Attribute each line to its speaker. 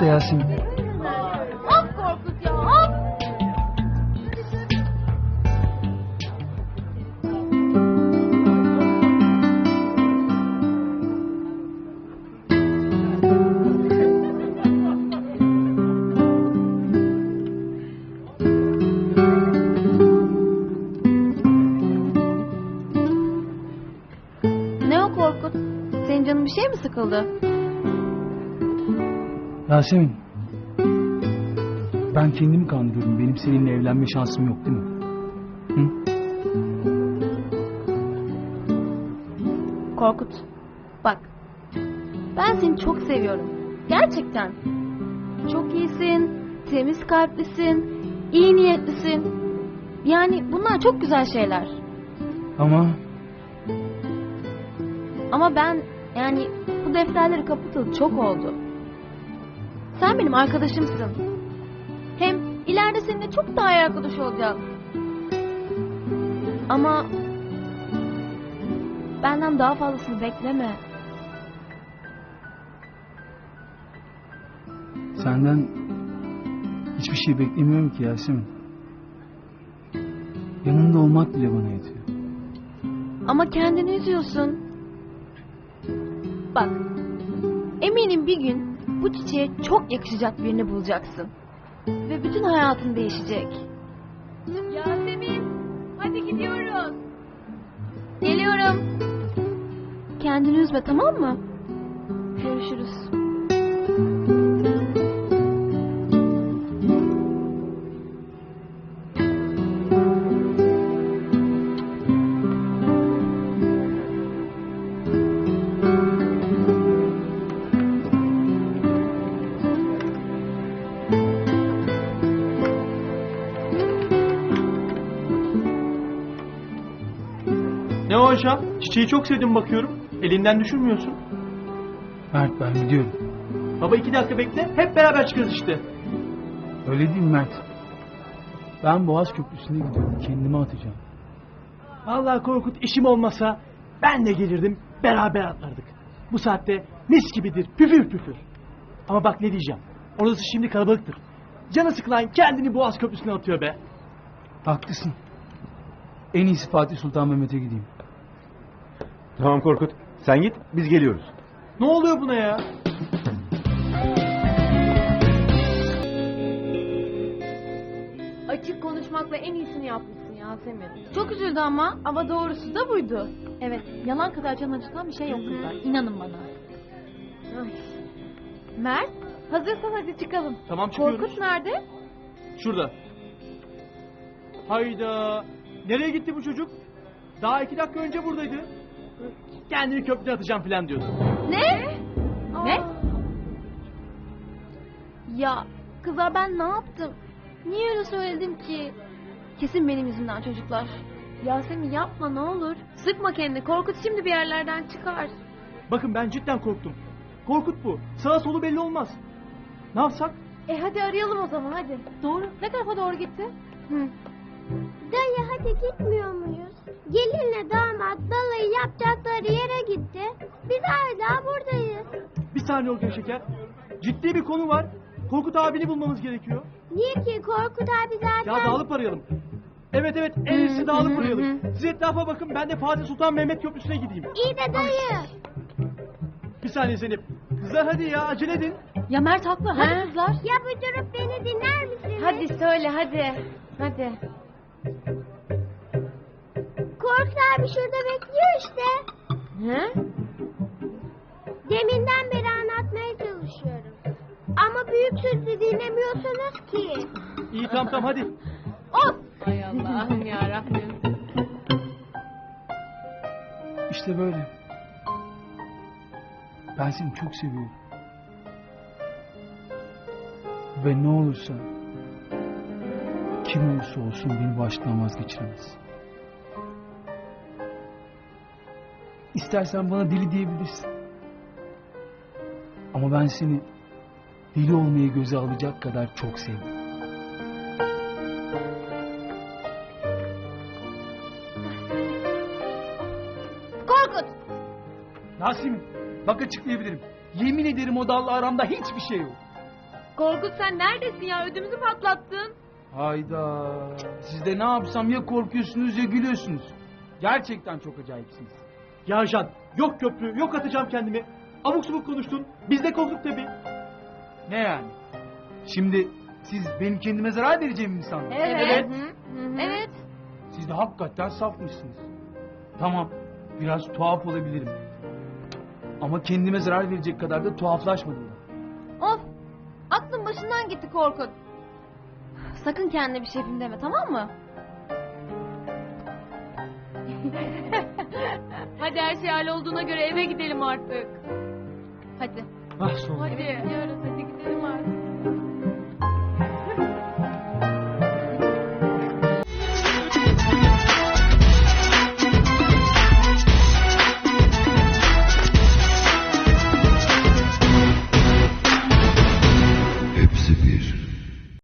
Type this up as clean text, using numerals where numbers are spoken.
Speaker 1: olsa Yasemin.
Speaker 2: Of Korkut ya, of! Ne o Korkut? Senin canın bir şey mi sıkıldı?
Speaker 1: Yasemin. Ben kendimi kandırıyorum. Benim seninle evlenme şansım yok değil mi? Hı?
Speaker 2: Korkut, bak. Ben seni çok seviyorum. Gerçekten. Çok iyisin, temiz kalplisin, iyi niyetlisin. Yani bunlar çok güzel şeyler. Ama ben yani bu defterleri kapatalı çok oldu. Sen benim arkadaşımsın. Hem ileride seninle çok daha iyi arkadaş olacağız. Ama benden daha fazlasını bekleme.
Speaker 1: Senden hiçbir şey beklemiyorum ki Yasemin. Yanında olmak bile bana yetiyor.
Speaker 2: Ama kendini üzüyorsun. Bak, eminim bir gün bu çiçeğe çok yakışacak birini bulacaksın. Ve bütün hayatın değişecek. Yasemin, hadi gidiyoruz. Geliyorum. Kendini üzme, tamam mı? Görüşürüz.
Speaker 3: Ne o aşağı? Çiçeği çok sevdim bakıyorum. Elinden düşürmüyorsun.
Speaker 1: Mert, ben gidiyorum.
Speaker 3: Baba 2 dakika bekle. Hep beraber çıkarız işte.
Speaker 1: Öyle değil mi Mert? Ben Boğaz Köprüsü'ne gidiyorum. Kendimi atacağım.
Speaker 3: Vallahi Korkut, işim olmasa ben de gelirdim. Beraber atlardık. Bu saatte mis gibidir. Püfür püfür. Ama bak ne diyeceğim. Orası şimdi kalabalıktır. Canı sıkılan kendini Boğaz Köprüsü'ne atıyor be.
Speaker 1: Haklısın. En iyisi Fatih Sultan Mehmet'e gideyim.
Speaker 4: Tamam Korkut. Sen git, biz geliyoruz.
Speaker 3: Ne oluyor buna ya?
Speaker 2: Açık konuşmakla en iyisini yapmışsın Yasemin. Çok üzüldü ama doğrusu da buydu. Evet, yalan kadar can acıtan bir şey yok kızlar. İnanın bana. Ay. Mert, hazırsan hadi çıkalım.
Speaker 3: Tamam, çıkıyoruz.
Speaker 2: Korkut nerede?
Speaker 3: Şurada. Hayda. Nereye gitti bu çocuk? Daha 2 dakika önce buradaydı. Kendini köprüye atacağım falan diyordu.
Speaker 2: Ne? Ne? Ya kızlar, ben ne yaptım? Niye öyle söyledim ki? Kesin benim yüzümden çocuklar. Yasemin yapma ne olur. Sıkma kendini. Korkut şimdi bir yerlerden çıkar.
Speaker 3: Bakın, ben cidden korktum. Korkut bu. Sağa solu belli olmaz. Ne yapsak?
Speaker 2: Hadi arayalım o zaman hadi. Doğru. Ne tarafa doğru gitti?
Speaker 5: Dayı hadi gitmiyor muyuz? Gelinle damat balayı yapacakları yere gitti. Biz hala buradayız.
Speaker 3: Bir saniye Olgun Şeker. Ciddi bir konu var. Korkut abini bulmamız gerekiyor.
Speaker 5: Niye ki Korkut abi zaten...
Speaker 3: Ya dağılıp arayalım. Evet, en iyisi dağılıp arayalım. Siz etrafa bakın, ben de Fatih Sultan Mehmet Köprüsü'ne gideyim.
Speaker 5: İyi de dayı.
Speaker 3: Bir saniye Zeynep. Kızlar hadi ya, acele edin.
Speaker 2: Ya Mert haklı. Hadi kızlar.
Speaker 5: Ya bir durup beni dinler misiniz?
Speaker 2: Hadi söyle hadi. Hadi.
Speaker 5: Korkut abi şurada bekliyor işte.
Speaker 2: He?
Speaker 5: Deminden beri anlatmaya çalışıyorum. Ama büyük sözü dinlemiyorsunuz ki.
Speaker 3: İyi, tamam hadi.
Speaker 2: Of! Hay Allah'ım yarabbim.
Speaker 1: İşte böyle. Ben seni çok seviyorum. Ve ne olursa, kim olursa olsun beni baştan vazgeçiremez. İstersen bana deli diyebilirsin. Ama ben seni deli olmayı göze alacak kadar çok sevdim.
Speaker 2: Korkut!
Speaker 1: Yasemin, bak açıklayabilirim. Yemin ederim o dalla aramda hiçbir şey yok.
Speaker 2: Korkut sen neredesin ya? Ödümüzü patlattın.
Speaker 1: Hayda. Siz de ne yapsam ya korkuyorsunuz ya gülüyorsunuz. Gerçekten çok acayipsiniz.
Speaker 3: Ya Can, yok köprü, yok atacağım kendimi. Abuk subuk konuştun. Biz de korktuk tabii.
Speaker 1: Ne yani? Şimdi siz benim kendime zarar vereceğimi mi sandınız?
Speaker 2: Evet. Evet.
Speaker 1: Siz de hakikaten safmışsınız. Tamam, biraz tuhaf olabilirim. Ama kendime zarar verecek kadar da tuhaflaşmadım da.
Speaker 2: Of. Aklın başından gitti Korkut. Sakın kendine bir şey yapayım deme, tamam mı? Hadi her şey hallolduğuna göre eve gidelim artık. Hadi.
Speaker 3: Ah sonunda.
Speaker 2: Hadi. Gidiyoruz, hadi gidelim artık.